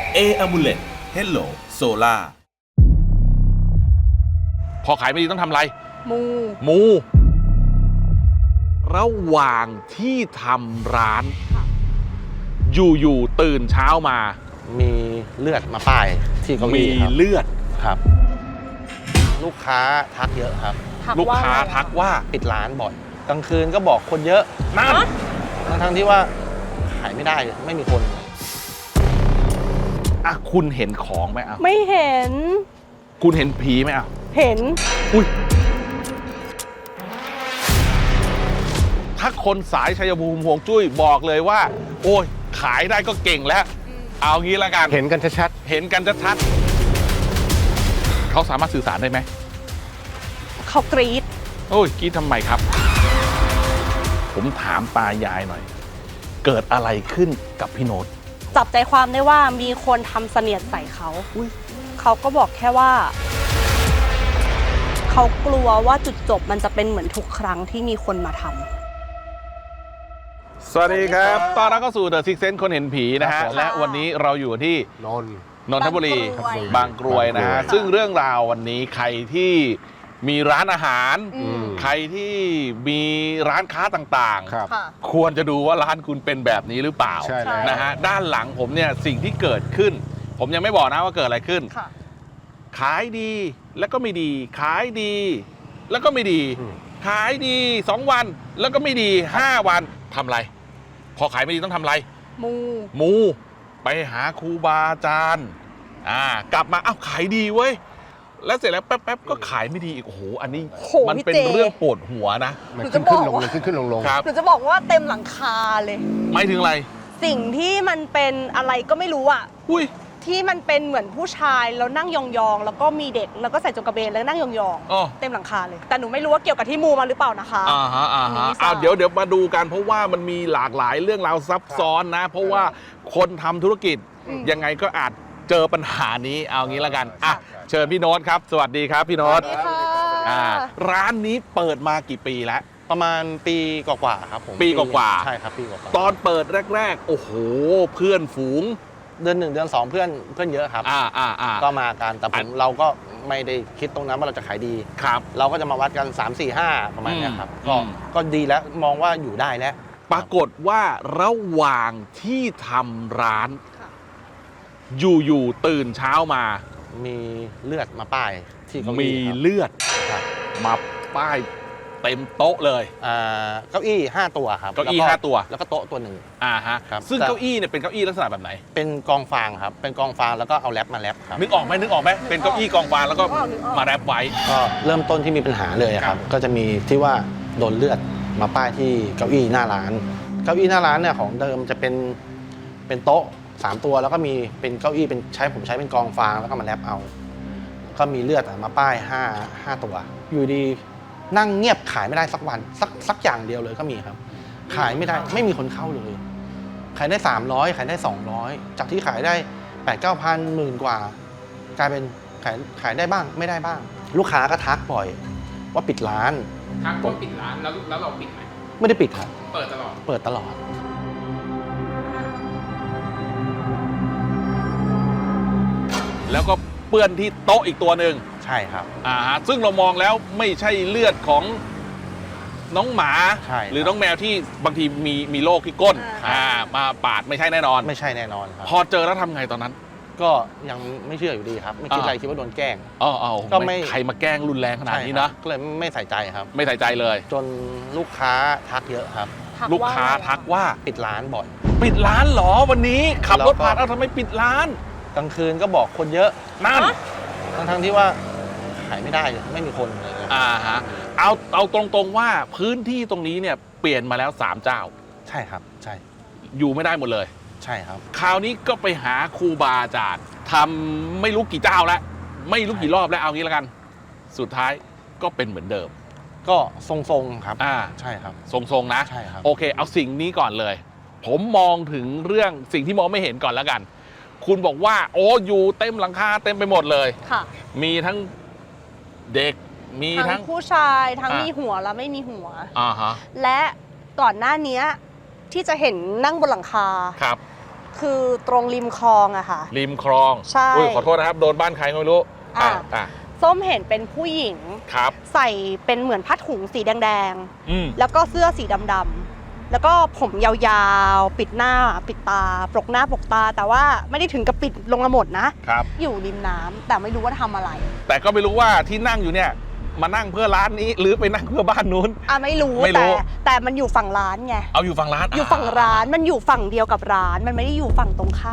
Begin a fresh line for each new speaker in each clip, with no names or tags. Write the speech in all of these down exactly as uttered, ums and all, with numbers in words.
A Amulet Hello Solar
พอขายไม่ดีต้องทำอะไร
มู
มู ระหว่างที่ทำร้าน อยู่ๆตื่นเช้ามา
มีเลือดมาป้ายที่เก้าอี้
มี
ครับ
เลือด
ครับ ลูกค้าทักเยอะครับ
ลูกค้าทักว่า
ปิดร้านบ่อยกลางคืนก็บอกคนเยอะ
นั่น
ทั้งทั้งที่ว่าขายไม่ได้ไม่มีคน
อ่ะคุณเห็นของไหมอ่ะ
ไม่เห็น
คุณเห็นผีไหมอ่ะ
เห็น
อุ้ยถ้าคนสายชัยภูมิห่วงจุ้ยบอกเลยว่า โอ้ยขายได้ก็เก่งแล้ว เอางี้ละกัน
เห็นกันชัด
เห็นกันชัดๆเขาสามารถสื่อสารได้ไหม
เขากรี๊ด
โอ้ยกรี๊ดทำไมครับ ผมถามตายายหน่อย เกิดอะไรขึ้นกับพี่โน้ต
จับใจความได้ว่ามีคนทำเสนียดใส่เขาเขาก็บอกแค่ว่า เขากลัวว่าจุดจบมันจะเป็นเหมือนทุกครั้งที่มีคนมาทำ
สวัสดีครับตอนรับเข้าสู่ The Six Sense คนเห็นผีนะฮะ
ครับผม
และวันนี้เราอยู่ที่
ๆนน
นนทบุรี
บางกรวย
บางกรวยนะฮะ
บางกรวย
ซึ่งเรื่องราววันนี้ใครที่มีร้านอาหาร
อืม
ใครที่มีร้านค้าต่าง
ครับ
ค่ะ
ๆ ควรจะดูว่าร้านคุณเป็นแบบนี้หรือเปล่า
ใช่แล้ว
นะฮะด้านหลังผมเนี่ยสิ่งที่เกิดขึ้น ผมยังไม่บอกนะว่าเกิดอะไรขึ้น
ค่ะ
ขายดีแล้วก็ไม่ดี ขายดี แล้วก็ไม่ดี
อืม
ขายดีสองวันแล้วก็ไม่ดีห้าวันทำอะไร พอขายไม่ดีต้องทำอะไร
มู
มูไปหาครูบาอาจารย์อ่ากลับมาอ้าวขายดีเว้ยแล้วเสร็จแล้วแป๊บๆก็ขายไม่ดีอีกโอ้โหอันนี้
โห
มัน
พี่
เป็น
เจ
เรื่องปวดหัวนะ
มัน
หนู
ขึ้
จะ
น
บ
ขึ้
อน ก
ลง
ว่า
ขึ้นขึ้นลงลง
ครับ
หนูจะบอกว่าเต็มหลังคาเลย
ไม่ถึงอะไร
สิ่งที่มันเป็นอะไรก็ไม่รู้อะ
อุ้ย
ที่มันเป็นเหมือนผู้ชายแล้วนั่งยองๆแล้วก็มีเด็กแล้วก็ใส่จงกระเบนแล้วนั่งยอง
อ๋อ
ๆเต็มหลังคาเลย แต่หนูไม่รู้ว่าเกี่ยวกับที่มูมาหรือเปล่านะคะ
อ่าฮะอ่า
อันนี้
ฮะ
ไม่ทราบ
อ้าวเดี๋ยวเดี๋ยวมาดูกันเพราะว่ามันมีหลากหลายเรื่องราวซับซ้อนนะ เพราะว่าคนทำธุรกิจ
อืม
ยังไงก็อาจเจอปัญหานี้เอางี้ละกันอ่ะเชิญพี่โน้ตครับ สวัสดีครับพี่โน้ต
สวัสดีค่ะ
อ่าร้านนี้เปิดมากี่ปีแล้ว
ประมาณปีกว่าๆครับผม
ปีกว่าๆ
ใช่ครับปีกว่า
ตอนเปิดแรก ๆ โอ้โห เพื่อนฝูง
ๆเดือนหนึ่งเดือนสองเพื่อนเพื่อนเยอะครับ
อ่าอ่าอ่า
ก็มากันแต่ผมเราก็ไม่ได้คิดตรงนั้นว่าเราจะขายดี
ครับ
เราก็จะมาวัดกัน สาม สี่ ห้า ประมาณเนี้ยครับ
อืม
ก็
อืม
ก็ดีแล้วมองว่าอยู่ได้แล้ว
ปรากฏว่าระหว่างที่ทำร้าน
ค่ะ
อยู่ๆตื่นเช้ามา
มีเลือดมาป้ายที่เก้า
มี
อี้ครับ
เลือด
ครับ
มาป้ายเต็มโต๊ะเลย
อ่าเก้าอี้ห้าตัวครับ
เก้าอี้
แล้
ห้าตัว
แล้วก็โต๊ะตัวหนึ่ง
อ่าฮะ
ครับ
ซึ่ง
แต่
เก้าอี้เนี่ยเป็นเก้าอี้ลักษณะแบบไหน
เป็นกองฟางครับ เป็นกองฟางแล้วก็เอาแรปมาแรปครับ
นึกออกไหมนึกออกไหมเป็นเก้าอี้กองฟางแล้วก็
นึกออกนึกออก
มาแรปไว้
ก็เริ่มต้นที่มีปัญหาเลยอะครับ ก็จะมีที่ว่าโดนเลือดมาป้ายที่เก้าอี้หน้าร้าน เก้าอี้หน้าร้านเนี่ยของเดิมจะเป็นเป็นโต๊ะสามตัวแล้วก็มีเป็นเก้าอี้เป็นใช้ผมใช้เป็นกองฟางแล้วก็มาแรปเอา ก็มีเลือดอะมาป้ายห้าห้าตัว อยู่ดีนั่งเงียบขายไม่ได้สักวันสักสักอย่างเดียวเลยก็มีครับ ขายไม่ได้ไม่มีคนเข้าเลย ขายได้สามร้อยขายได้สองร้อยจากที่ขายได้แปดเก้าพันหมื่นกว่า กลายเป็นขายขายได้บ้างไม่ได้บ้าง ลูกค้าก็ทักบ่อยว่าปิดร้าน
ทักว่าปิดร้านแล้วแล้วเราปิดไหม
ไม่ได้ปิดครับ
เปิดตลอด
เปิดตลอด
แล้วก็เปื้อนที่โต๊ะอีกตัวหนึ่ง
ใช่ครับ
อ่าฮะซึ่งเรามองแล้วไม่ใช่เลือดของน้องหมา
ใช่ครับ
หรือน้องแมวที่บางทีมีมีโรคที่ก้น
อ่า
อ่ามาปาดไม่ใช่แน่นอน
ไม่ใช่แน่นอนครับ
พอเจอแล้วทำไงตอนนั้น
ก็ยังไม่เชื่ออยู่ดีครับ ไม่คิด
อ่า
อะไรคิดว่าโดนแกล้ง
อ๋ออ๋อ
ก็ไม่
ใครมาแกล้งรุนแรงขนาดนี้
ใช่ครั
นะ
บก็เลยไม่ใส่ใจครับ
ไม่ใส่ใจเลย
จนลูกค้าทักเยอะครับ
ทั
ลูกค้า
ว่อะไร
ทักว่า
ปิดร้านบ่อย
ปิดร้านเหรอวันนี้ขับรถ
แล้วก็
ผ่านเอาทำไมปิดร้าน
กลางคืนก็บอกคนเยอะ
นั่น
ทั้งทั้งๆที่ว่าขายไม่ได้เลยไม่มีคนเลย
อ่าฮะเอาเอาตรงๆว่าพื้นที่ตรงนี้เนี่ยเปลี่ยนมาแล้วสามเจ้า
ใช่ครับใช่
อยู่ไม่ได้หมดเลย
ใช่ครับ
คราวนี้ก็ไปหาครูบาอาจารย์ทำไม่รู้กี่เจ้าแล้ว ไม่รู้กี่รอบแล้วเอางี้แล้วกัน สุดท้ายก็เป็นเหมือนเดิม
ก็ทรงๆครับ
อ่า
ใช่ครับ
ทรงๆนะ
ใช่ครับ
โอเค เอาสิ่งนี้ก่อนเลย ผมมองถึงเรื่องสิ่งที่มองไม่เห็นก่อนแล้วกัน คุณบอกว่า โอ้อยู่เต็มหลังคาเต็มไปหมดเลย
ค่ะ
มีทั้งเด็กมี
ทั้
ทั้
ง
ง
ผู้ชายทั้ง
อ่ะ
มีหัวและไม่มีหัว
อ่าฮะ
และก่อนหน้านี้ที่จะเห็นนั่งบนหลังคา
ครับ
คือตรงริมคลองอะค่ะ
ริมคลอง
ใช่
อุ้ยขอโทษนะครับโดนบ้านใครก็ไม่รู้
อ่ะ
อ่ะ
ส้มเห็นเป็นผู้หญิง
ครับ
ใส่เป็นเหมือนผ้าถุงสีแดง
อืม
ๆ แล้วก็เสื้อสีดำๆ แล้วก็ผมยาวๆ ปิดหน้าปิดตาปลกหน้าปลกตา แต่ว่าไม่ได้ถึงกับปิดลงมาหมดนะ
ครับ
อยู่ริมน้ำแต่ไม่รู้ว่าทำอะไร
แต่ก็ไม่รู้ว่าที่นั่งอยู่เนี่ยมานั่งเพื่อร้านนี้หรือไปนั่งเพื่อบ้านนู้น
อ่ะไม่รู้
ไม่รู้
แต่แต่มันอยู่ฝั่งร้านไง
เอาอยู่ฝั่งร้าน
อยู่ฝั่งร้านมันอยู่ฝั่งเดียวกับร้าน มันไม่ได้อยู่ฝั่งตรงข้าม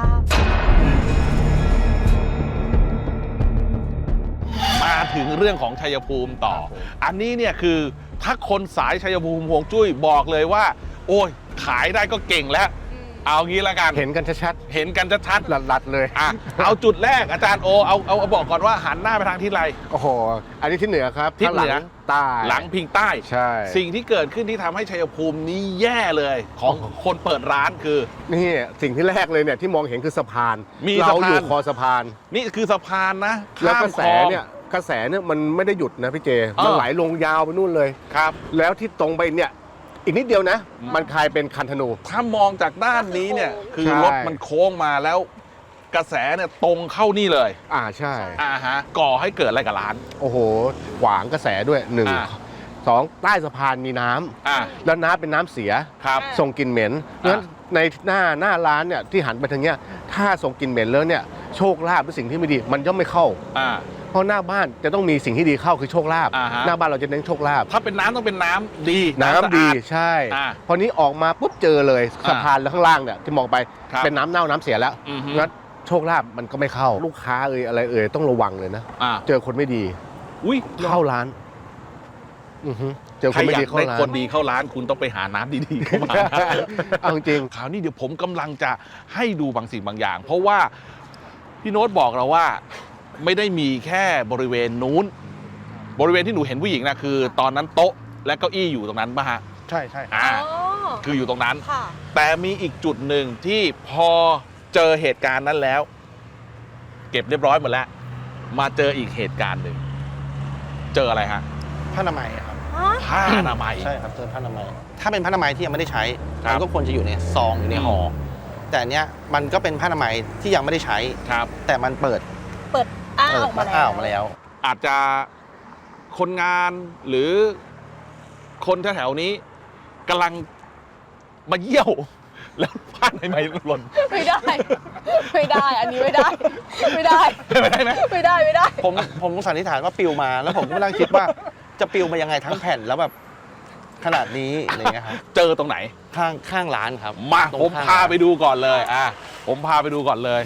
มาถึงเรื่องของชัยภูมิต่อ อันนี้เนี่ยคือถ้าคนสายชัยภูมิห่วงจุ้ยบอกเลยว่า โอ้ยขายได้ก็เก่งแล้ว เอางี้ละกัน
เห็นกันชัด
เห็นกันชัด
ๆหลัดๆเลย
ๆอ่ะเอาจุดแรกอาจารย์โอเอาเอาเอาบอกก่อนว่าหันหน้าไปทางทิศอะไร
โอ้โห อันนี้ที่เหนือครับ
ทิศเหนือ
ข้างลังใต้
หลังพิงใต้
ใช่
สิ่งที่เกิดขึ้นที่ทำให้ชัยภูมินี้แย่เลยของคนเปิดร้านคือ
นี่สิ่งที่แรกเลยเนี่ยที่มองเห็นคือสะพาน
มี
เรา
สะพาน
อยู่คอสะพาน
นี่คือสะพานนะ
แล้ว
ข้าม
กระแส
คลอง
เนี่ยกระแสเนี่ยมันไม่ได้หยุดนะพี่เจ
เออ
มันไหลลงยาวไปนู่นเลย
ครับ
แล้วที่ตรงไปเนี่ยอีกนิดเดียวนะ มันกลายเป็นคันธนู
ถ้ามองจากด้านนี้เนี่ยคือ
ใช่
รถมันโค้งมาแล้ว กระแสเนี่ยตรงเข้านี่เลย
อ่าใช่
อ่าฮะก่อให้เกิดอะไรกับร้าน
โอ้โห ขวางกระแสด้วยหนึ่ง
อ่า
สองใต้สะพานมีน้ำ
อ่า
แล้วน้ำเป็นน้ำเสีย
ครับ
ส่งกลิ่นเหม็นเพราะฉะนั้นในหน้าหน้าร้านเนี่ยที่หันไปทางเนี้ยถ้าส่งกลิ่นเหม็นแล้วเนี่ยโชคลาภเป็นสิ่งที่ไม่ดีมันย่อมไม่เข้า
อ่า
เพราะหน้าบ้านจะต้องมีสิ่งที่ดีเข้าคือโชคลาภ
อ่าฮะ
หน้าบ้านเราจะเน้นโชคลาภ
ถ้าเป็นน้ำต้องเป็นน้ำดี
น้ำ
สะอา
ดีใช่
อ่า
พอนี้ออกมาปุ๊บเจอเลย
อ่า
สะพานแล้วข้างล่างเนี่ยที่มองไป
ครับ
เป็นน้ำเน่าน้ำเสียแล้ว
อือฮึ
งั้นโชคลาภมันก็ไม่เข้า ลูกค้าเอ่ยอะไรเอ่ยต้องระวังเลยนะ
อ่า
เจอคนไม่ดี
อุ้ย
เข้าร้านอือฮึเจอ
ใค
ค
ร
นไม่
อยา
ดี
ก
เข้า
ได้
ร้าน
คนดีเข้าร้านคุณต้องไปหาน้ำดีๆเข้ามา
เอาจริง
คราวนี้เดี๋ยวผมกำลังจะให้ดูบางสิ่งบางอย่าง เพราะว่าพี่โน้ตบอกเราว่าไม่ได้มีแค่บริเวณนู้น บริเวณที่หนูเห็นผู้หญิงนะคือ ตอนนั้นโต๊ะและเก้าอี้อยู่ตรงนั้นป่ะฮะ
ใช่ใช่
อ่าคืออยู่ตรงนั้น
ค่ะ
แต่มีอีกจุดหนึ่งที่พอเจอเหตุการณ์นั้นแล้ว เก็บเรียบร้อยหมดแล้ว มาเจออีกเหตุการณ์หนึ่งเจออะไรฮะ
ผ้าอนามัยครับ
ผ้าอนามัย
ใช่ครับเจอผ้าอนามัย ถ้าเป็นผ้าอนามัยที่ยังไม่ได้ใช้
ครับ
มันก็ควรจะอยู่ในซองอยู่ในห่ออแต่อันเนี้ยมันก็เป็นผ้าอนามัยที่ยังไม่ได้ใช้
ครับ
แต่มันเปิด
เปิดอ้า
เปิ
อ
ด
อกมา
อ้า
แล้ว
ออกมาแล้ว
อาจจะคนงานหรือคนแถวๆนี้กำลังมาเยี่ยว แล้วผ้าในไม้หล่น
ไม่ได้ ไม่ได้ อันนี้ไม่ได้ ไม่ได้
ไม่ได้ไหม
ไม่ได้ไม่ได้
ผมผมสันนิษฐานว่าปลิวมา แล้วผมก็ไม่นั่งคิดว่าจะปลิวมายังไงทั้งแผ่นแล้วแบบขนาดนี้อะไรเงี้ยครับ
เจอตรงไหน
ข้างข้างร้านครับ
มา
ตรง
ผม
ข้ง
พา
ร้น
ไปดูก่อนเลยอ่ะผมพาไปดูก่อนเลย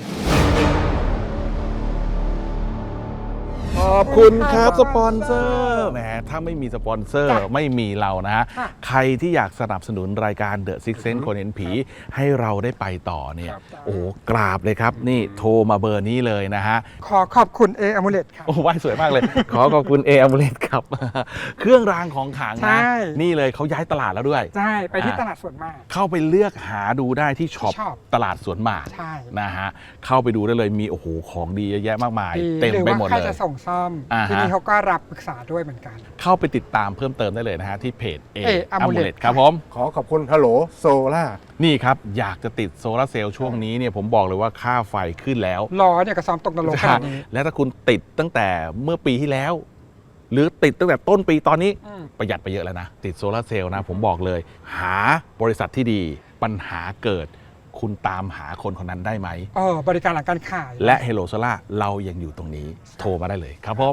ขอบคุณครับสปอนเซอร์แหมถ้าไม่มีสปอนเซอร์
จ้ะ
ไม่มีเรานะฮะ
ค่ะ
ใครที่อยากสนับสนุนรายการ The Six Sense คนเห็นผีให้เราได้ไปต่อเนี่ย โอ้โหกราบเลยครับ นี่โทรมาเบอร์นี้เลยนะฮะ
ขอขอบคุณเออ m มูเลตครับ
โอ้ไหว้สวยมากเลย ขอขอบคุณเออ m มเลตครับ เครื่องรางของขลัง
ใช่
นะ นี่เลยเขาย้ายตลาดแล้วด้วย
ใช่ ไปที่
อ่า
ตลาดสวนมาก
เข้าไปเลือกหาดูได้ที่ช็อป
ช็อป
ตลาดสวนหมาก
ใช่
นะฮะเข้าไปดูได้เลยมีโอ้โหของดีเยอะแยะมากมาย
ดี
เต็ม
หรือ
ไป
ว่า
หมด
ใคร
เลย
จะส่งซ่อม
อ่าฮะ
ที่นี่เขาก็รับปรึกษาด้วยเหมือนกัน
เข้าไปติดตามเพิ่มเติมได้เลยนะฮะ ที่เพจเอ
A
อ
Amulet
มูเลตครับผม
ขอขอบคุณฮัลโหลโซล่า
นี่ครับ อยากจะติดโซลาร์เซลล์ช่วงนี้เนี่ยผมบอกเลยว่าค่าไฟขึ้นแล้ว
ล้อเนี่ยก็ซ้อมตกนรกขนาดนี้
และถ้าคุณติดตั้งแต่เมื่อปีที่แล้ว หรือติดตั้งแต่ต้นปีตอนนี้
อืม
ประหยัดไปเยอะแล้วนะ ติดโซลาร์เซลล์นะ ผมบอกเลย หาบริษัทที่ดี ปัญหาเกิด คุณตามหาคนคนนั้นได้ไหม
เออบริการหลังการขาย
และ Hello Solar เรายังอยู่ตรงนี้ โทรมาได้เลยครับผม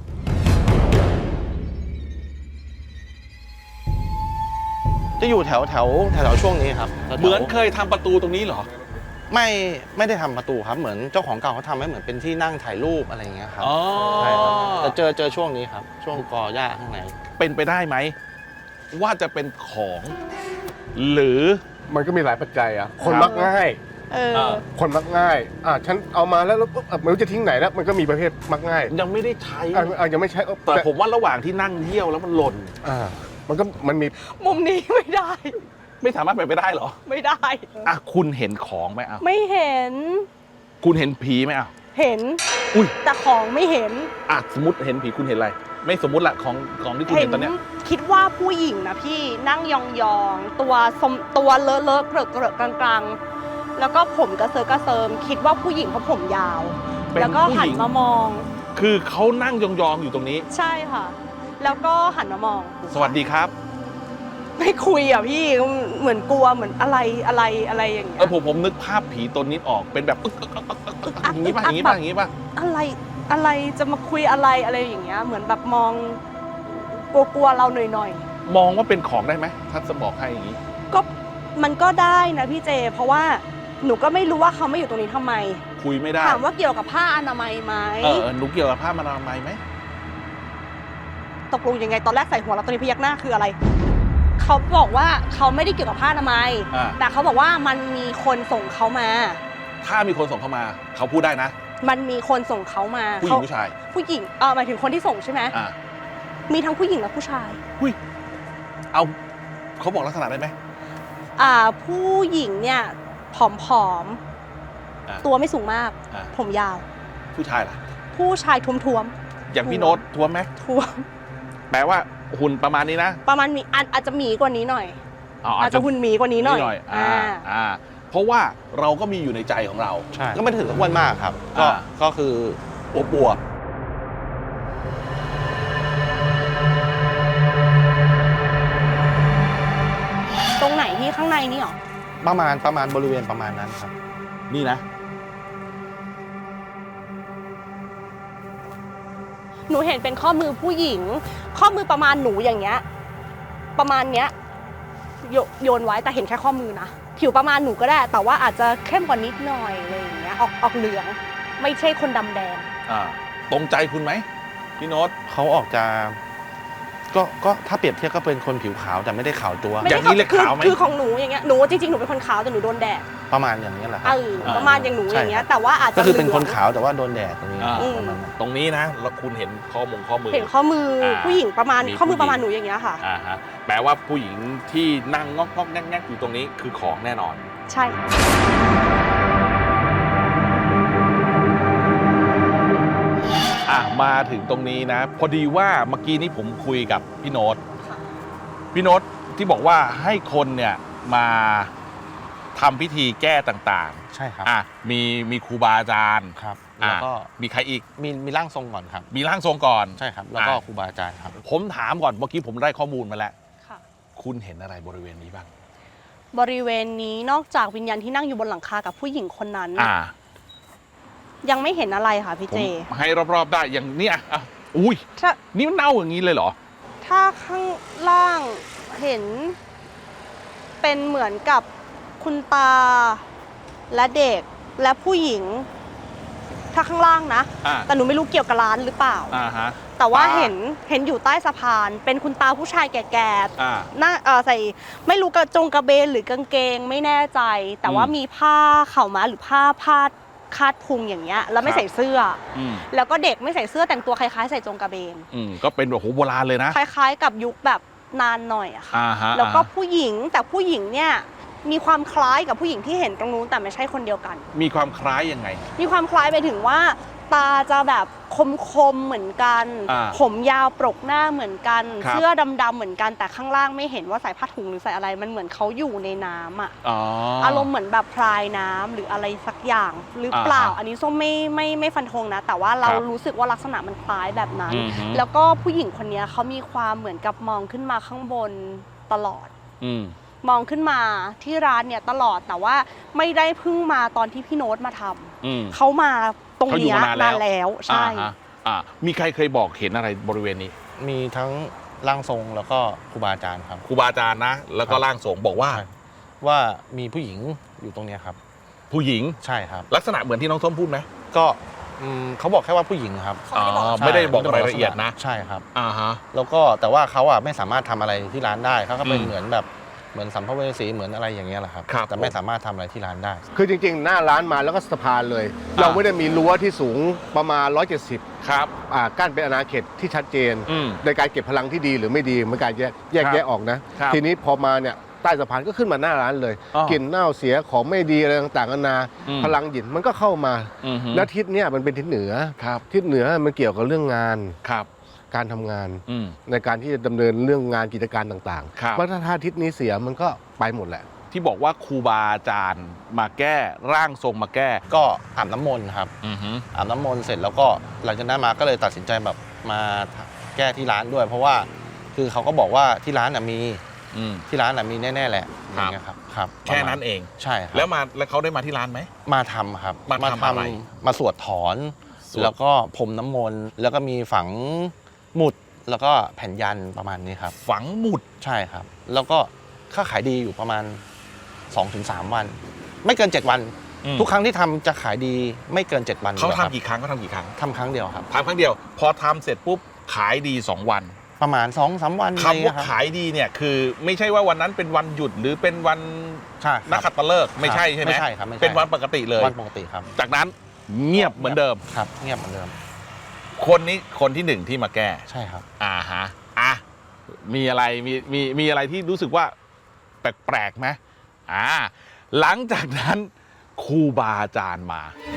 จะอยู่แถวแถวแถวแถวช่วงนี้ครับแถวๆ
เหมือนเคยทำประตูตรงนี้เหรอ
ไม่ไม่ได้ทำประตูครับเหมือนเจ้าของเก่าเขาทำให้เหมือนเป็นที่นั่งถ่ายรูปอะไรอย่างเงี้ยครับ
อ๋อ
ใช่ครับแต่เจอเจอช่วงนี้ครับ ช่วงกอหญ้าข้างใน
เป็นไปได้ไหม ว่าจะเป็นของ หรือ
มันก็มีหลายปัจจัยอ่ะ คนมักง่าย
เออ
เออ
คนมักง่าย อ่ะฉันเอามาแล้วแล้วปุ๊บอ่ะไม่รู้จะทิ้งไหนแล้ว มันก็มีประเภทมักง่าย
ยังไม่ได้ใช้
อ่ะอ่ะยังไม่ใช่เออ
แต่ผมว่าระหว่างที่นั่งเยี่ยวแล้วมันหล่น
อ่ามันก็มันมี
มุมนี้ไม่ได้
ไม่สามารถเป็นไปได้เหรอ
ไม่ได้
อ่ะคุณเห็นของไหมอ่ะ
ไม่เห็น
คุณเห็นผีไหมอ่ะ
เห็น
อุ้ย
แต่ของไม่เห็น
อ่ะสมมติเห็นผีคุณเห็นอะไร ไม่สมมติละของของที่คุณ
เห็
เห็นตอนเนี้ย
คิดว่าผู้หญิงนะพี่นั่งยองๆ ตัวสมตัวเลอะเลอะเกลอะเกลอะกลางๆแล้วก็ผมกระเซิร์กระเซิมคิดว่าผู้หญิงเพราะผมยาว
เป็น
แล้วก็
ผู้
หั
ห
น
ญิง
มามอง
คือเขานั่งยองๆอยู่ตรงนี้
ใช่ค่ะ แล้วก็หันมามอง
สวัสดีครับ
ไม่คุยอ่ะพี่เหมือนกลัวเหมือนอะไรอะไรอะไรอย่างเงี้
เอย อผมผมนึกภาพผีตนนี้ออกเป็นแบบอึกอึกอึกอึกอึกอึกอย่างนี้ป่ะอย่างนี้ป่ะอย่างนี้ป่ะ
อะไรอะไรจะมาคุยอะไรอะไรอย่างเงี้ยเหมือนแบบมองกลัวๆเราหน่อย
มองว่าเป็นของได้ไหมถ้าจะบอกให้อย่างนี้
ๆก็มันก็ได้นะพี่เจ เพราะว่าหนูก็ไม่รู้ว่าเขาไม่อยู่ตรงนี้ทำไม
คุยไม่ได้
ถามว่าเกี่ยวกับผ้าอนามัยไหม
เออหนูเกี่ยวกับผ้าอนามัยไหม
ตกลงยังไงตอนแรกใส่หัวเราตอนนี้พยักหน้าคืออะไรเขาบอกว่าเขาไม่ได้เกี่ยวกับผ้าอนามัย
อ่า
แต่เขาบอกว่ามันมีคนส่งเขามา
ถ้ามีคนส่งเข้ามา เขาพูดได้นะ
มันมีคนส่งเขามา
ผู้หญิง
เข
ผู้ชาย
ผู้หญิงเออหมายถึงคนที่ส่งใช่ไหม
อ่า
มีทั้งผู้หญิงและผู้ชาย
หุ้ยเอาเขาบอกลักษณะได้ไหม
อ่าผู้หญิงเนี่ยผอม
อ่า
ๆตัวไม่สูงมาก
อ่า
ผมยาว
ผู้ชายล่ะ
ผู้ชายท้วม
อย่างพี่โน้ตท้วมไหม
ๆท้วม
แปลว่าหุ่นประมาณนี้นะ
ประมาณมีอาจอาจจะหมีกว่านี้หน่อย
อ๋อ
อาจจะหุ่นหมีกว่านี้หน่อย
อ่า
อ่า
อ่า เพราะว่าเราก็มีอยู่ในใจของเรา
ใช่ก็ไม่ถึงกับอ้วนมากครับ ก็
อ่า
ก็คือ
อวบอวบ
ตรงไหนที่ข้างในนี่หรอ
ประมาณประมาณบริเวณประมาณนั้นครับ
นี่นะ
หนูเห็นเป็นข้อมือผู้หญิง ข้อมือประมาณหนูอย่างเงี้ยประมาณเนี้ยโยโยนไว้แต่เห็นแค่ข้อมือนะผิวประมาณหนูก็ได้ แต่ว่าอาจจะเข้มกว่านิดหน่อยอะไรอย่างเงี้ยออกออกเหลือง ไม่ใช่คนดำแดง
อ่า ตรงใจคุณไหมพี่โน้ต
เขาออกจะก็ก็ถ้าเปรียบเทียบก็เป็นคนผิวขาวแต่ไม่ได้ขาวจัว
ไม่
อ
ได้
ย่างนี้เรียก
คือ
ขาวไหม
คือของหนูอย่างเงี้ยหนูจริงๆหนูเป็นคนขาวแต่หนูโดนแดด
ประมาณอย่างนี้ยแหละค
เอ
รับ
อประมาณอย่างหนูอย่างเงี้ยแต่ว่าอาจจะ
ก็คือเป็นคน
หลืง
ขาวแต่ว่าโดนแดดตรงนี้
อ่า
ประมาณนั้น
ตรงนี้นะแล้วคุณเห็นข้อมงข้อมือ
เห็นข้อมืออา ผู้หญิงประมาณ
มี
ข้อมือ
ผู้หญิง
ประมาณหนูอย่างเงี้ยค่ะ
อ่าฮะแปลว่าผู้หญิงที่นั่งงอกงอกแงกแงกอยู่ตรงนี้คือของแน่นอน
ใช่
อ่ะมาถึงตรงนี้นะ พอดีว่าเมื่อกี้นี้ผมคุยกับพี่โน้ตพี่โน้ตที่บอกว่าให้คนเนี่ยมาทำพิธีแก้ต่าง
ใช่ครับ
ๆอ่ะมีมีครูบาอาจารย์
ครับ
อ่ะ
แล้วก็
มีใครอีก
มีมีร่างทรงก่อนครับ
มีร่างทรงก่อน
ใช่ครับ แล้วก็
อ่ะ
ครูบาอาจารย์ครับ
ผมถามก่อนเมื่อกี้ผมได้ข้อมูลมาแล้ว
ค่ะ
คุณเห็นอะไรบริเวณนี้บ้าง
บริเวณนี้นอกจากวิญญาณที่นั่งอยู่บนหลังคากับผู้หญิงคนนั้น
อ่า
ยังไม่เห็นอะไรค่ะพี่
ผม
เจ
ให้รอบๆได้อย่างเนี้ยอ่ะอุ้ย
ถ้า
นี่มันเน่าอย่างนี้เลยเหรอ
ถ้าข้างล่างเห็น เป็นเหมือนกับคุณตาและเด็กและผู้หญิง ถ้าข้างล่างนะ
อ่า
แต่หนูไม่รู้เกี่ยวกับร้านหรือเปล่า
อ่าฮะ
แต่ว่า
ตา
เห็นเห็นอยู่ใต้สะพาน เป็นคุณตาผู้ชายแก่
อ่า
ๆหน้าเอ่อใส่ไม่รู้กระจงกระเบนหรือกางเกงไม่แน่ใจ แต่ว่า
อืม
มีผ้าเข่าวม้าหรือผ้าพาดคาดพุงอย่างเงี้ยแล้วไม่
ครับ
ใส่เสื้อ
อืม
แล้วก็เด็กไม่ใส่เสื้อแต่งตัวคล้ายๆ ใส่จงกระเบน
อืมก็เป็นแบบโหโบราณเลยนะ
คล้ายๆ กับยุคแบบนานหน่อยอะค่ะ
อ่าฮะ
แล้วก็
อ่าฮะ
ผู้หญิงแต่ผู้หญิงเนี่ยมีความคล้ายกับผู้หญิงที่เห็นตรงนู้นแต่ไม่ใช่คนเดียวกัน
มีความคล้ายยังไง
มีความคล้ายไปถึงว่า ตาจะแบบคมๆเหมือนกัน
อ่า
ผมยาวปรกหน้าเหมือนกัน
ครับ
เสื้อดำๆเหมือนกันแต่ข้างล่างไม่เห็นว่าใส่ผ้าถุงหรือใส่อะไรมันเหมือนเขาอยู่ในน้ำอะ
อ๋อ
อารมณ์เหมือนแบบพรายน้ำหรืออะไรสักอย่างหรือเปล่า
อ่าฮะ
อันนี้ส้มไม่ไม่ไม่ฟันธงนะ แต่ว่าเรา
ครับ
รู้สึกว่าลักษณะมันคล้ายแบบนั้น
อือฮึ
แล้วก็ผู้หญิงคนนี้เขามีความเหมือนกับมองขึ้นมาข้างบนตลอด
อืม
มองขึ้นมาที่ร้านเนี่ยตลอดแต่ว่าไม่ได้เพิ่งมาตอนที่พี่โน้ตมาทำ
อืม
เขามาตรง
เขาอยู่
เนี้ย
มานานแล้ว
นานแล้วใช่
อ่าฮะอ่ามีใครเคยบอกเห็นอะไรบริเวณนี้
มีทั้งร่างทรงแล้วก็ครูบาอาจารย์ครับ
ครูบาอาจารย์นะ แล้วก็
ครับ
ร่างทรงบอกว่า
ใช่ว่ามีผู้หญิงอยู่ตรงเนี้ยครับ
ผู้หญิง
ใช่ครับ
ลักษณะเหมือนที่น้องส้มพูดไหม
ก็อืมเขาบอกแค่ว่าผู้หญิงครับ
เขาไม่ได้บอก
อ๋อ
ใช่
ไม่ได้บอก
ม่
รายละเอียดนะ
ใช่ครับ
อ่าฮะ
แล้วก็แต่ว่าเขาอ่ะไม่สามารถทำอะไรที่ร้านได้เขาก็เป็น
อืม
เหมือนแบบเหมือนสัมภเวสีเหมือนอะไรอย่างเงี้ยแหละครับ
ครับ
แต่ไม่สามารถทำอะไรที่ร้านได้
คือจริงๆ หน้าร้านมาแล้วก็สะพานเลย เราไม่ได้มีรั้วที่สูงประมาณหนึ่งร้อยเจ็ดสิบ
ครับ
อ่ากั้นเป็นอาณาเขตที่ชัดเจน
อืม
ในการเก็บพลังที่ดีหรือไม่ดีมันการแยกแยก
ครับ
แยะออกนะ
ครับ
ทีนี้พอมาเนี่ยใต้สะพานก็ขึ้นมาหน้าร้านเลย
อ๋อก
ลิ่นเน่าเสียของไม่ดีอะไรต่างๆนานา
อืม
พลังหยินมันก็เข้ามา
อือฮึ
แล้วทิศเนี่ยมันเป็นทิศเหนือ
ครับ
ทิศเหนือมันเกี่ยวกับเรื่องงาน
ครับ
การทำงาน
อืม
ในการที่จะดำเนินเรื่องงานกิจการต่าง
ครับ
ๆว่าถ้าทิศนี้เสียมันก็ไปหมดแหละ
ที่บอกว่าครูบาอาจารย์มาแก้ร่างทรงมาแก้
ก็อาบน้ำมนต์ครับ
อือฮึ
อาบน้ำมนต์เสร็จแล้วก็หลังจากนั้นมาก็เลยตัดสินใจแบบมาแก้ที่ร้านด้วย เพราะว่าคือเขาก็บอกว่าที่ร้านน่ะมี
อืม
ที่ร้านน่ะมีแน่ๆแหละ
ครับ
อย่างเงี้ยครับครับ
แค่นั้นเอง
ใช่ครับ
แล้วมาแล้วเขาได้มาที่ร้านไหม
มาทำครับ
มาทำอะไร
มาสวดถอน
สวด
แล้วก็พรมน้ำมนต์แล้วก็มีฝังหมุดแล้วก็แผ่นยันประมาณนี้ครับ
ฝังหมุด
ใช่ครับ แล้วก็ค่าขายดีอยู่ประมาณ สองถึงสาม วัน ไม่เกิน เจ็ด วัน
อืม
ทุกครั้งที่ทำจะขายดีไม่เกิน เจ็ด วัน
เขา
อยู่แล้วครับ
ทำกี่ครั้งเขาทำกี่ครั้ง
ทำครั้งเดียวครับ
ทำครั้งเดียว พอทำเสร็จปุ๊บขายดีสองวัน
ประมาณ สองสาม วันอะไร
คำ
เงี้
ว่าย
ครับ
ขายดีเนี่ยคือไม่ใช่ว่าวันนั้นเป็นวันหยุดหรือเป็นวัน
ใช่ครับ
นักขัตฤกษ์ไม่ใช่ใช่ไหม
ไม่ใช่ครับไม่ใช่
เป็นวันปกติเลย
วันปกติครับ
จากนั้นเงียบเหมือนเดิม
ครับเงียบเหมือนเดิม
คนนี้คนที่หนึ่งที่มาแก้
ใช่ครับ
อ่าฮะอ่ะมีอะไรมีมีมีอะไรที่รู้สึกว่าแปลกๆไหมอ่าหลังจากนั้นครูบาอาจารย์มา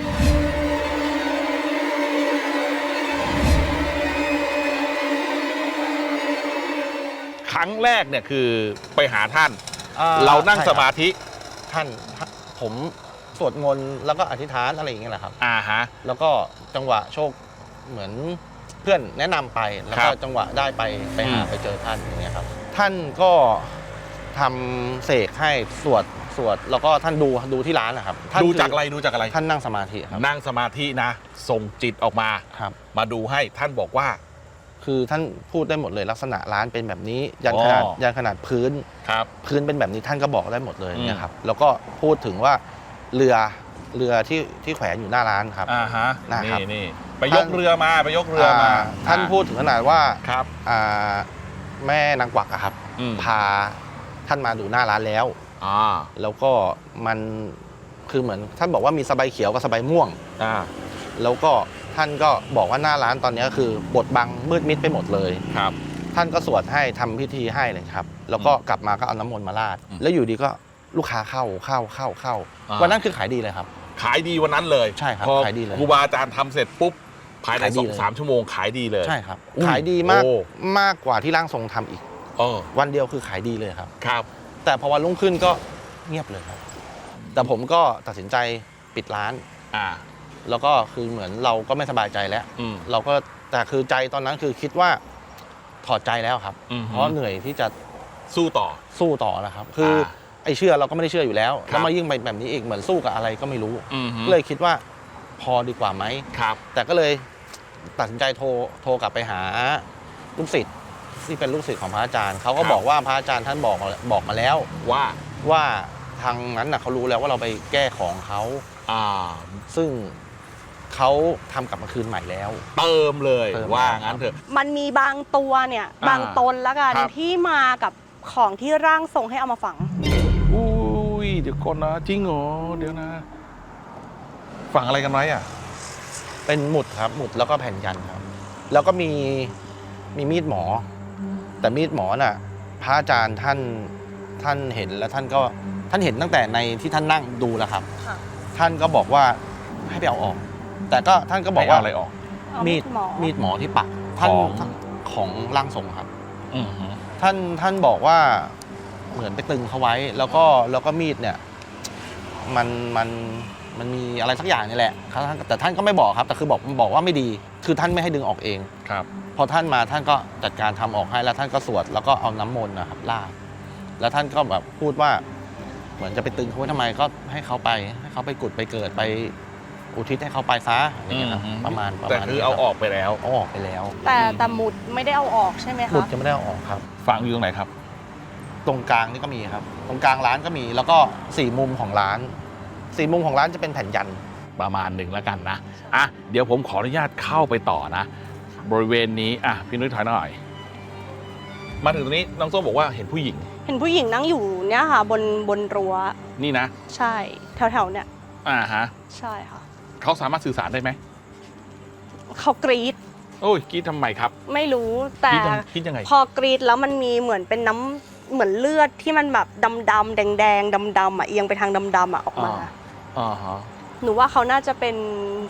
ครั้งแรกเนี่ยคือไปหาท่าน
อ่า
เรานั่ง
ใช่
ส
ครับ
มาธิ
ท่านผมสวดมนต์แล้วก็อธิษฐานอะไรอย่างเงี้ยแหละครับ
อ่าฮะ
แล้วก็จังหวะโชคเหมือนเพื่อนแนะนำไปแล้ว
ครั
ก็
บ
จังหวะได้ไปไปหา
อืม
ไปเจอท่านอย่างเงี้ยครับท่านก็ทำเสกให้สวดสวดแล้วก็ท่านดูดูที่ร้านนะครับท่น
ดู
คื
จากอะไรดูจากอะไร
ท่านนั่งสมาธิครับ
นั่งสมาธินะส่งจิตออกมา
ครับ
มาดูให้ท่านบอกว่า
คือท่านพูดได้หมดเลยลักษณะร้านเป็นแบบนี้ ยันขนาด
อ๋อ
ยันขนาดพื้น
ครับ
พื้นเป็นแบบนี้ท่านก็บอกได้หมดเลย
อืม
เนี่ยครับแล้วก็พูดถึงว่าเรือเรือที่ที่แขวนอยู่หน้าร้านครับ
อ่าฮะ
นะครับ
นี่นี่ไปยกเรือมาไปยกเรือมา
อ่าท่านพูดถึงขนาดว่า
ครับ
อ่าแม่นางกวักอะครับ
อืม
พาท่านมาดูหน้าร้านแล้ว
อ่า
แล้วก็มันคือเหมือนท่านบอกว่ามีสบายเขียวกับสบายม่วง
อ่า
แล้วก็ท่านก็บอกว่าหน้าร้านตอนนี้คือบดบังมืดมิดไปหมดเลย
ครับ
ท่านก็สวดให้ทำพิธีให้เลยครับ แล้วก็กลับมาก็เอาน้ำมนต์มาราด
อืม
แล้วอยู่ดีก็ลูกค้าเข้าเข้าเข้าเข้า
อ่า
วันนั้นคือขายดีเลยครับ
ขายดีวันนั้นเลย
ใช่ครับ
พอ
ขายดีเลย
ครูบาอาจารย์ทำเสร็จปุ๊บภายใน
ขายดี
สอง
เลย
สามชั่วโมงขายดีเลย
ใช่ครับ
อุ้ย
ขายดีมาก
โอ้
มากกว่าที่ร่างทรงทำอีก
เออ
วันเดียวคือขายดีเลยครับ
ครับ
แต่พอวันรุ่งขึ้นก็เงียบเลยครับ แต่ผมก็ตัดสินใจปิดร้าน
อ่า
แล้วก็คือเหมือนเราก็ไม่สบายใจแล้ว
อืม
เราก็แต่คือใจตอนนั้นคือคิดว่าถอดใจแล้วครับ
อืม
เพราะเหนื่อยที่จะ
สู้ต่อ
สู้ต่อนะครับ คืออา ไอ้เชื่อเราก็ไม่ได้เชื่ออยู่แล้ว
ครับ
แล้วมายิ่งไปแบบนี้อีกเหมือนสู้กับอะไรก็ไม่รู้
อืม
ก็เลยคิดว่าพอดีกว่าไหม
ครับ
แต่ก็เลยตัดสินใจโทรโทรกลับไปหาลูกศิษย์ที่เป็นลูกศิษย์ของพระอาจารย์เขาก็
ครับ
บอกว่าพระอาจารย์ท่านบอกมาบอกมาแล้ว
ว่า
ว่าทางนั้นนะเขารู้แล้วว่าเราไปแก้ของเขา
อ่า
ซึ่งเขาทำกลับมาคืนใหม่แล้ว
เติมเลย
เติม
ว่า
แล้ว
งั้นเถอะ
มันมีบางตัวเนี่ย
อ่า
บางตนละกัน
ครับ
ที่มากับของที่ร่างทรงให้เอามาฝัง
อุ้ยเดี๋ยวก่อนนะจริงเหรอเดี๋ยวนะ ฝังอะไรกันไว้อ่ะ
เป็นหมุดครับหมุดแล้วก็แผ่นยันครับ แล้วก็มีมีมีดหมอ แต่มีดหมอน่ะพระอาจารย์ท่านท่านเห็นแล้วท่านก็ท่านเห็นตั้งแต่ในที่ท่านนั่งดูแล้วครับ
ค่ะ
ท่านก็บอกว่าให้ไปเอาออก แต่ก็ท่านก็บอกว่า
ให้เอะไรออก
เอา
มี
มี
ด
ดหมอ
มีดหมอที่ปักท่าน
ของ
ท่านของร่างทรงครับ
อืมฮึ
ท่านท่านบอกว่าเหมือนไปตึงเขาไว้ แล้วก็แล้วก็มีดเนี่ยมันมันมันมีอะไรสักอย่างนี่แหละครับท่านแต่ท่านก็ไม่บอกครับ แต่คือบอกบอกว่าไม่ดี คือท่านไม่ให้ดึงออกเอง
ครับ
พอท่านมาท่านก็จัดการทำออกให้แล้วท่านก็สวดแล้วก็เอาน้ำมนต์นะครับราดแล้วท่านก็แบบพูดว่า เหมือนจะไปตึงเขาไว้ทำไมก็ให้เขาไปให้เขาไปกุดไปเกิดไปอุทิศให้เขาไปซะอะไรอย่างเงี้ยครับ
อืม
ประมาณประ
แต่
มาณ
คือ
นี้
เอา
รับ
ออกไปแล้ว
เอาออกไปแล้ว
แต่แต่หมุดไม่ได้เอาออกใช่ไหม
หมุด
คะ
จะไม่ได้เอาออกครับ
ฝังอยู่ตรงไหนครับ
ตรงกลางนี่ก็มีครับ ตรงกลางร้านก็มี แล้วก็สี่มุมของร้านสี่มุมของร้านจะเป็นแผ่นยัน
ประมาณหนึ่งแล้วกันนะ อ่ะ เดี๋ยวผมขออนุญาตเข้าไปต่อนะ บริเวณนี้ อ่ะ พี่นุ้ยถอยหน่อย มาถึงตรงนี้ น้องส้มบอกว่าเห็นผู้หญิง
เห็นผู้หญิงนั่งอยู่เนี่ยค่ะ บนบนรั้ว
นี่นะ
ใช่ แถวๆเนี่ย
อ่าฮะ
ใช่ค่ะ
เขาสามารถสื่อสารได้ไหม
เขากรีด
โอ้ยกรีดทำไมครับ
ไม่รู้
ก
แต่
รีดยังกรีดยังไง
พอกรีดแล้วมันมีเหมือนเป็นน้ำเหมือนเลือดที่มันแบบดำๆแดงๆดำๆอ่ะเอียงไปทางดำๆอ่ะออกมา
อ่า อ่าฮะ
หนูว่าเขาน่าจะเป็น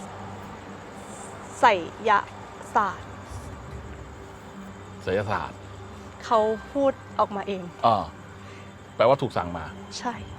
ไสยศาสตร์
ศิลศาสตร์
เขาพูดออกมาเอง
อ่าแปลว่าถูกสั่งมา
ใช่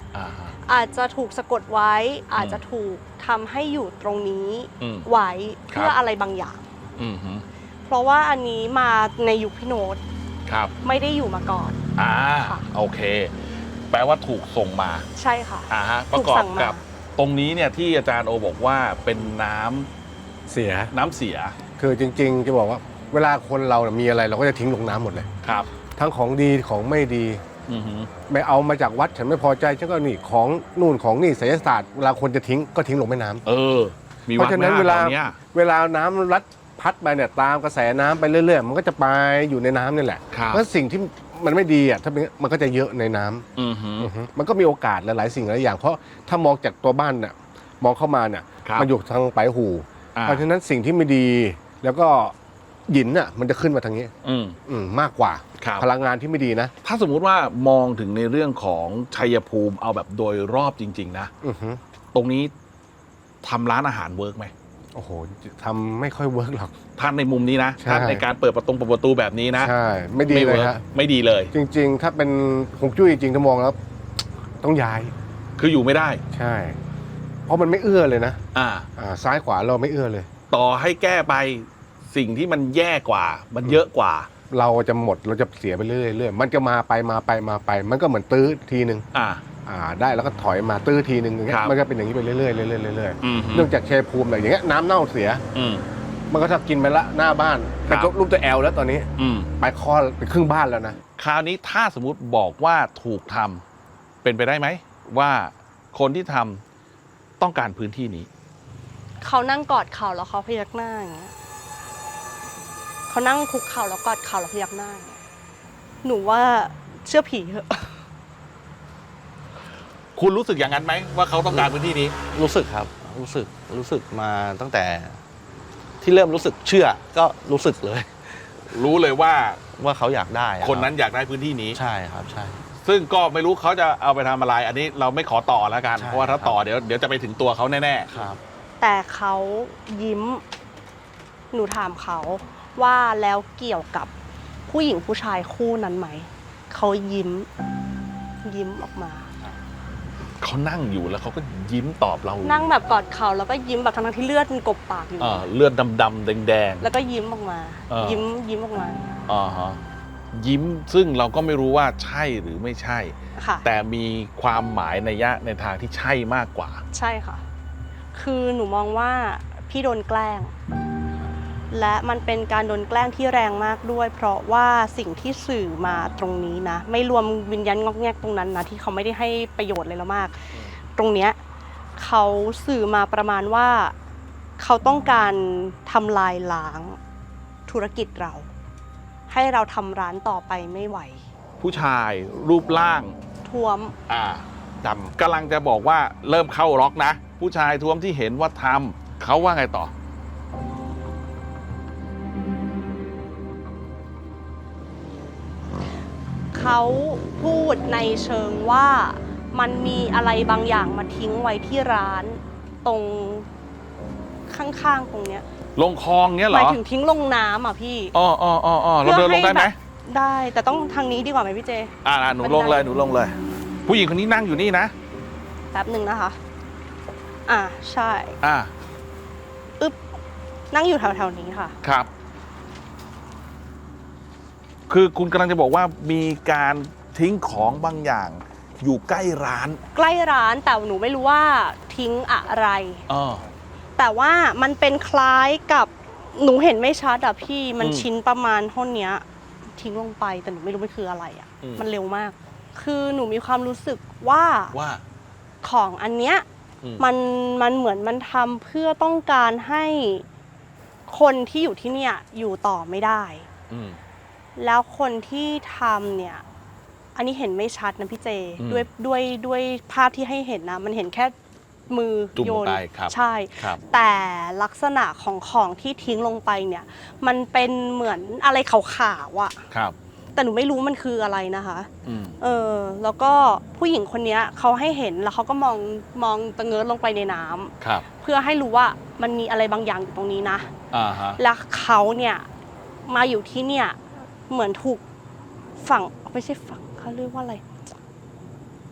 อ่าฮะ
อาจจะถูกสะกดไว้ อาจจะถูกทำให้อยู่ตรงนี้
อืม
ไว้
ครับ
เพื่ออะไรบางอย่าง
อืมฮึ
เพราะว่าอันนี้มาในยุคพี่โน้ต
ครับ
ไม่ได้อยู่มาก่อน
อ่า
ค่ะ
โอเค แปลว่าถูกส่งมา
ใช่ค่ะ
อ่าฮะป
ถู
ระ
ก
กอบ
สั่งมา
กับตรงนี้เนี่ยที่อาจารย์โอบอกว่าเป็นน้ำ
เสีย
น้ำเสีย
คือจริงๆจะบอกว่าเวลาคนเราเนี่ยมีอะไรเราก็จะทิ้งลงน้ำหมดเลย
ครับ
ทั้งของดีของไม่ดี
อือฮึ
ไม่เอามาจากวัดฉันไม่พอใจฉันก็นี่ของนู่นของนี่ไสยศาสตร์เวลาคนจะทิ้งก็ทิ้งลงแม่น้ำ
เออ มี
เพ
วัด
ราะฉะ
ไหม
นั้นเวลา
แถวเนี้ย
เวลาน้ำรัดพัดไปเนี่ยตามกระแสน้ำไปเรื่อยๆมันก็จะไปอยู่ในน้ำนี่แหละ
ครับ
เพราะสิ่งที่มันไม่ดีอ่ะถ้าเป็นมันก็จะเยอะในน้ำ
อือฮึ
อือฮึมันก็มีโอกาสหลายๆสิ่งหลายอย่างเพราะถ้ามองจากตัวบ้านเนี่ยมองเข้ามาเนี่ย
ครับ
มันอยู่ทางปลายหู
อ่า
เพราะฉะนั้นสิ่งที่ไม่ดีแล้วก็หยินน่ะมันจะขึ้นมาทางนี้
อืม
อืมมากกว่า
ครับ
พลังงานที่ไม่ดีนะ
ถ้าสมมุติว่ามองถึงในเรื่องของชัยภูมิเอาแบบโดยรอบจริง ๆ นะ
อือฮึ
ตรงนี้ทำร้านอาหารเวิร์กไหม
โอ้โหทำไม่ค่อยเวิร์กหรอก
ท่านในมุมนี้นะ
ใช่
ท่านในการเปิดประตูเปิดประตูแบบนี้นะ
ใช่ไม่ดีเลย
วิร์ก
ฮะ
ไม่ดีเลย
จริง ๆ ถ้าเป็นฮวงจุ้ยจริงๆถ้ามองแล้ว ต้องย้าย
คืออยู่ไม่ได้
ใช่ เพราะมันไม่เอื้อเลยนะ
อ่า
อ่าซ้ายขวาเราไม่เอื้อเลย
ต่อให้แก้ไปสิ่งที่มันแย่กว่า มันเยอะกว่า
เราจะหมดเราจะเสียไปเรื่อยๆมันจะมาไปมาไปมาไป มันก็เหมือนตื้อทีนึง
อ่า
อ่าได้แล้วก็ถอยมาตื้อทีนึงอย่างเงี้
ค
ย
รับ
มันก็เป็นอย่างนี้ไปเรื่อยๆเรื่อยๆเรื่อย
อืมฮึ
ๆเนื่องจากชัยภูมิอะไรอย่างเงี้ยน้ำเน่าเสีย
อืม
มันก็ถ้ากินไปละหน้าบ้าน
ครั
เป็น
บ
รูปตัวแอลแล้วตอนนี้
อืม
ไปข้อไปครึ่งบ้านแล้วนะ
คราวนี้ถ้าสมมุติบอกว่าถูกทำเป็นไปได้ไหม ว่าคนที่ทำต้องการพื้นที่นี้
เขานั่งกอดเข่าแล้วเขาพยักหน้าอย่างเงี้ยเขานั่งคุกเข่าแล้วกอดเข่าแล้วพยักหน้าอย่างเงี้ยหนูว่าเชื่อผีเถอะ
คุณรู้สึกอย่างนั้นไหมว่าเขาต้องการพื้นที่นี้
รู้สึกครับ รู้สึกรู้สึกมาตั้งแต่ ที่เริ่มรู้สึกเชื่อก็รู้สึกเลย
รู้เลยว่า
ว่าเขาอยากได้อะ
คนนั้นอยากได้พื้นที่นี้
ใช่ครับใช่
ซึ่งก็ไม่รู้เขาจะเอาไปทำอะไร อันนี้เราไม่ขอต่อแล้วกัน
ใช่
เพราะว่าถ้าต่อเดี๋ยวเดี๋ยวจะไปถึงตัวเขาแน่
ครับ
แต่เขายิ้ม หนูถามเขาว่าแล้วเกี่ยวกับผู้หญิงผู้ชายคู่นั้นไหม เขายิ้ม ยิ้มออกมา
ๆเขานั่งอยู่แล้วเขาก็ยิ้มตอบเรา
นั่งแบบกอดเข่าแล้วก็ยิ้มแบบทั้งๆที่เลือดมันกบปากอยู่
เอ่อเลือดดำๆแดง
แล้วก็ยิ้มออกมา
เออ
ยิ้มยิ้มออกมา
ๆอ่าฮะยิ้มซึ่งเราก็ไม่รู้ว่าใช่หรือไม่ใช่
ค่ะ
แต่มีความหมายในยะในทางที่ใช่มากกว่า
ใช่ค่ะ คือหนูมองว่าพี่โดนแกล้ง และมันเป็นการโดนแกล้งที่แรงมากด้วย เพราะว่าสิ่งที่สื่อมาตรงนี้นะ ไม่รวมวิญญาณงอกแงกตรงนั้นนะที่เขาไม่ได้ให้ประโยชน์เลยแล้วมาก ตรงเนี้ยเขาสื่อมาประมาณว่าเขาต้องการทำลายล้างธุรกิจเรา ให้เราทำร้านต่อไปไม่ไหว
ผู้ชายรูปร่าง
ท้วม
อ่าดำกำลังจะบอกว่าเริ่มเข้าล็อกนะ ผู้ชายท้วมที่เห็นว่าทำเขาว่าไงต่อ
เขาพูดในเชิงว่ามันมีอะไรบางอย่างมาทิ้งไว้ที่ร้านตรงข้างๆตรงเนี้ย
ลงคลองเนี้ย
ห
เหร
มาย
อ
ถึงทิ้งลงน้ำอ่ะพี่
อ๋ออ๋ออ๋ออ๋อเราเดินลงได้ไหม
แบบได้แต่ต้องทางนี้ดีกว่าไหมพี่เจ
อ่าหนูลงเลยหนูลงเลย ผู้หญิงคนนี้นั่งอยู่นี่นะ
แป๊บหนึ่งนะคะ อ่าใช่
อ่า
อึ๊บนั่งอยู่แถวๆนี้ค่ะ
ครับ คือคุณกำลังจะบอกว่ามีการทิ้งของบางอย่าง อยู่ใกล้ร้าน
ใกล้ร้านแต่หนูไม่รู้ว่าทิ้งอะไร
อ๋อ
แต่ว่ามันเป็นคล้ายกับหนูเห็นไม่ชัดอะพี่มัน
อืม
ชิ้นประมาณเท่าเนี้ยทิ้งลงไปแต่หนูไม่รู้มันคืออะไรอะ
อืม
มันเร็วมาก คือหนูมีความรู้สึกว่า
ว่า
ของอันเนี้ย
อืม
มันมันเหมือนมันทำเพื่อต้องการให้คนที่อยู่ที่เนี่ยอยู่ต่อไม่ได้
อืม
แล้วคนที่ทำเนี่ย อันนี้เห็นไม่ชัดนะพี่เจ
อืม
ด้วยด้วยด้วยภาพที่ให้เห็นนะมันเห็นแค่มือ
จุ่ม
โย
ลง
น
ไปครับ
ใช่
ครับ
แต่ลักษณะของของที่ทิ้งลงไปเนี่ย มันเป็นเหมือนอะไรขาวๆอะ
ครับ
แต่หนูไม่รู้มันคืออะไรนะคะ
อืม
เออแล้วก็ผู้หญิงคนเนี้ยเขาให้เห็นแล้วเขาก็มองมองตะเงินลงไปในน้ำ
ครับ
เพื่อให้รู้ว่ามันมีอะไรบางอย่างอยู่ตรงนี้นะ
อ่าฮะ
แล้วเขาเนี่ยมาอยู่ที่เนี่ยเหมือนถูกฝังไม่ใช่ฝังเขาเรียกว่าอะไร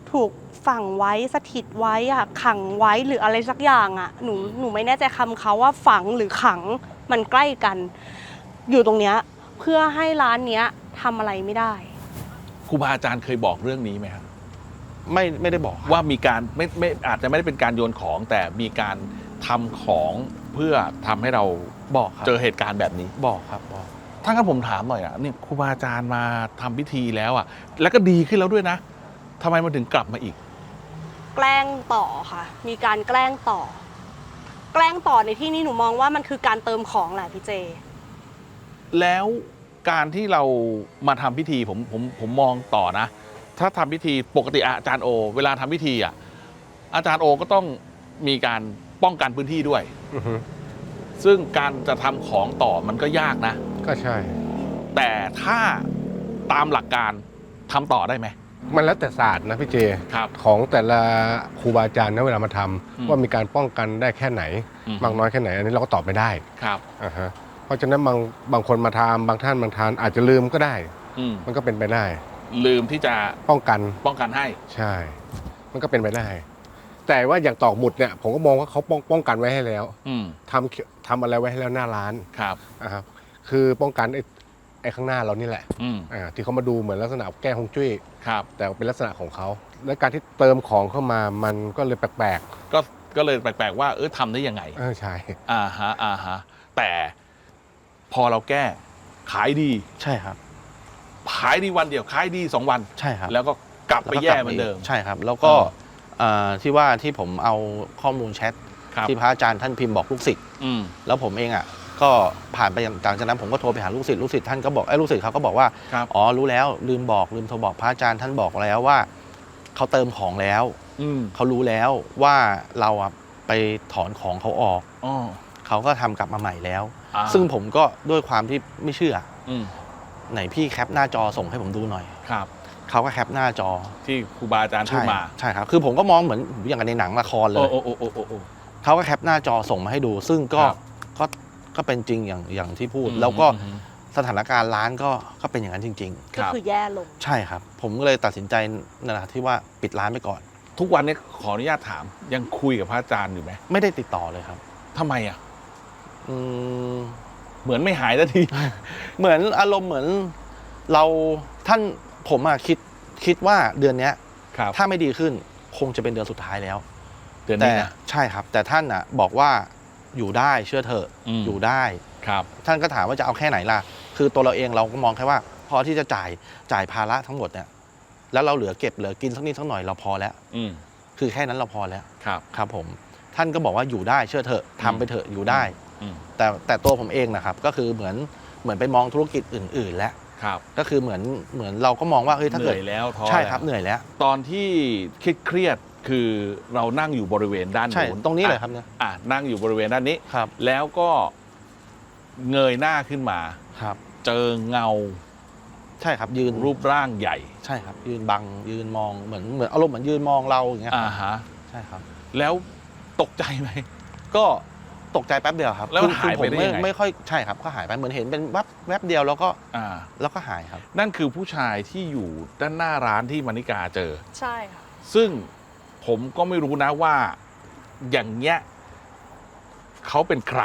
ถูกฝังไว้สถิตไว้อะขังไว้หรืออะไรสักอย่างอะหนูหนูไม่แน่ใจคำเขาว่าฝังหรือขังมันใกล้กัน อยู่ตรงเนี้ยเพื่อให้ร้านเนี้ยทำอะไรไม่ได้
ครูบาอาจารย์เคยบอกเรื่องนี้ไหมครับ
ไม่ไม่ได้บอกครับ
ว่ามีการไม่ไม่อาจจะไม่ได้เป็นการโยนของแต่มีการทำของเพื่อทำให้เรา
บอกครับ
เจอเหตุการณ์แบบนี้
บอกครับบอก
ถ้างั้นผมถามหน่อยอ่ะนี่ครูบาอาจารย์มาทำพิธีแล้วอ่ะแล้วก็ดีขึ้นแล้วด้วยนะทำไมมันถึงกลับมาอีก
แกล้งต่อค่ะ มีการแกล้งต่อ แกล้งต่อในที่นี้หนูมองว่ามันคือการเติมของแหละพี่เจ
แล้วการที่เรามาทำพิธีผมผมผมมองต่อนะ ถ้าทำพิธีปกติอาจารย์โอ เวลาทำพิธีอ่ะอาจารย์โอก็ต้องมีการป้องกันพื้นที่ด้วย
อือฮึ
ซึ่งการจะทำของต่อมันก็ยากนะ
ก็ใช่
แต่ถ้าตามหลักการทำต่อได้ไหม
มันแล้วแต่ศาสตร์นะพี่เจ
ครับ
ของแต่ละครูบาอาจารย์นะเวลามาทำ
อืม
ว่ามีการป้องกันได้แค่ไหน
อืม
มากน้อยแค่ไหนอันนี้เราก็ตอบไม่ได้
ครับ
อ่าฮะเพราะฉะนั้นบางบางคนมาทำบางท่านบางทานอาจจะลืมก็ได้
อืม
มันก็เป็นไปได้
ลืมที่จะ
ป้องกัน
ป้องกันให้
ใช่ มันก็เป็นไปได้ แต่ว่าอย่างตอกหมุดเนี่ยผมก็มองว่าเขาป้องป้องกันไว้ให้แล้ว
อืม
ทำทำอะไรไว้ให้แล้วหน้าร้าน
ครับ
นะครับคือป้องกันไอ้ไอ้ข้างหน้าเรานี่แหละ
อืม
อ่าที่เขามาดูเหมือนลักษณะแก้ฮวงจุ้ย
ครับ
แต่เป็นลักษณะของเขา และการที่เติมของเข้ามามันก็เลยแปลก
ก็ก็เลยแปลกๆว่าเออทำได้ยังไง
ๆเออใช่
อ่าฮะอ่าฮะแต่พอเราแก้ขายดี
ใช่ครับ
ขายดีวันเดียวขายดีสองวัน
ใช่ครับ
แล้วก็กลับไปแย่เหมือนเดิม
ใช่ครับ แล้วก็
อ่า
เอ่อที่ว่าที่ผมเอาข้อมูลแชท
ครับ
ที่พระอาจารย์ท่านพิมพ์บอกลูกศิษย์
อืม
แล้วผมเองอ่ะก็ผ่านไปหลังจากนั้นผมก็โทรไปหาลูกศิษย์ลูกศิษย์ท่านก็บอกไอ้ยลูกศิษย์เขาก็บอกว่า
ครับ
อ๋อรู้แล้วลืมบอกลืมโทรบอกพระอาจารย์ท่านบอกแล้วว่าเขาเติมของแล้ว
อืม
เขารู้แล้วว่าเราอ่ะไปถอนของเขาออก
อ๋อ
เขาก็ทำกลับมาใหม่แล้ว
อ่า
ซึ่งผมก็ด้วยความที่ไม่เชื่อ
อืม
ไหนพี่แคปหน้าจอส่งให้ผมดูหน่อย
ครับ
เขาก็แคปหน้าจอ
ที่ครูบาอาจารย์พูด
ใช่
มา
ใช่ครับคือผมก็มองเหมือนอย่างในหนังละครเล
โอ้
ย
โอ้โอ้โอ้โอ้โอ้
เขาก็แคปหน้าจอส่งมาให้ดู ซึ่งก็
ครับ
ก็ก็เป็นจริงอย่างอย่างที่พูด
อืม
แล้วก็
อืม
สถานการณ์ร้านก็ก็เป็นอย่างนั้นจริง
ค
ก็
รับ
คือแย่ลง
ๆ ใช่ครับ ผมก็เลยตัดสินใจนั่นแหละที่ว่าปิดร้านไปก่อน
ทุกวันนี้ขออนุญาตถามยังคุยกับพระอาจารย์อยู่ไหม
ไม่ได้ติดต่อเลยครับ
ทำไมอ่ะ
อืม
เหมือนไม่หายสักที
เหมือนอารมณ์เหมือนเราท่านผมอะคิดคิดว่าเดือนเนี้ย
ครับ
ถ้าไม่ดีขึ้นคงจะเป็นเดือนสุดท้ายแล้ว
เดือน
แต่
นี้นะ
ใช่ครับ แต่ท่านอ่ะบอกว่าอยู่ได้เชื่อเถอะ
อืม
อยู่ได้
ครับ
ท่านก็ถามว่าจะเอาแค่ไหนล่ะ คือตัวเราเองเราก็มองแค่ว่า พอที่จะจ่ายจ่ายภาระทั้งหมดเนี่ยแล้วเราเหลือเก็บเหลือกินสักนิดสักหน่อยเราพอแล้ว
อืม
คือแค่นั้นเราพอแล้ว
ครับ
ครับผมท่านก็บอกว่าอยู่ได้เชื่อเถอะทำไปเถอะอยู่ได้
อืม
แต่แต่ตัวผมเองนะครับก็คือเหมือนเหมือนไปมองธุรกิจอื่น ๆ แล้ว
ครับ
ก็คือเหมือนเหมือนเราก็มองว่าเฮ้ยถ้า
เห
เกิ
นื่
ด
อยแล้วท้อ
ใช่
แล้ว
ครับเหนื่อยแล้ว
ตอนที่เครียดๆคือเรานั่งอยู่บริเวณด้าน
ใช่
นู้น
ตรงนี้เลยครับเนี่ย
อ่ะนั่งอยู่บริเวณด้านนี้
ครับ
แล้วก็เงยหน้าขึ้นมา
ครับ
เจอเงา
ใช่ครับยืน
รูปร่างใหญ่
ใช่ครับ ยืนบังยืนมองเหมือนเหมือนอารมณ์เหมือนยืนมองเราอย่างเงี้ย
อ่าฮะ
ใช่ครับ
แล้วตกใจไหม
ก็ตกใจแป๊บเดียวครับ
แล้วมัน
คือ
หายไป
ผม
ได้
ไม่
ยังไง
ไม่ค่อยใช่ครับก็หายไปเหมือนเห็นเป็นแวบแวบเดียวแล้วก็
อ่า
แล้วก็หายครับ
นั่นคือผู้ชายที่อยู่ด้านหน้าร้านที่มานิกาเจอ
ใช่ค่ะ
ซึ่งผมก็ไม่รู้นะว่าอย่างเงี้ยเขาเป็นใคร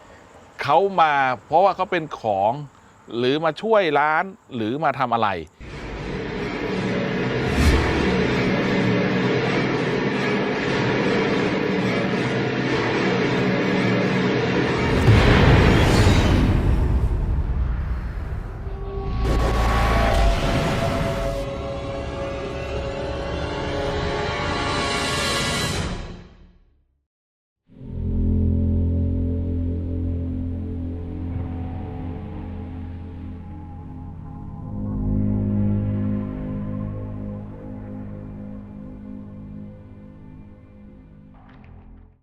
เขามาเพราะว่าเขาเป็นของ หรือมาช่วยร้านหรือมาทำอะไร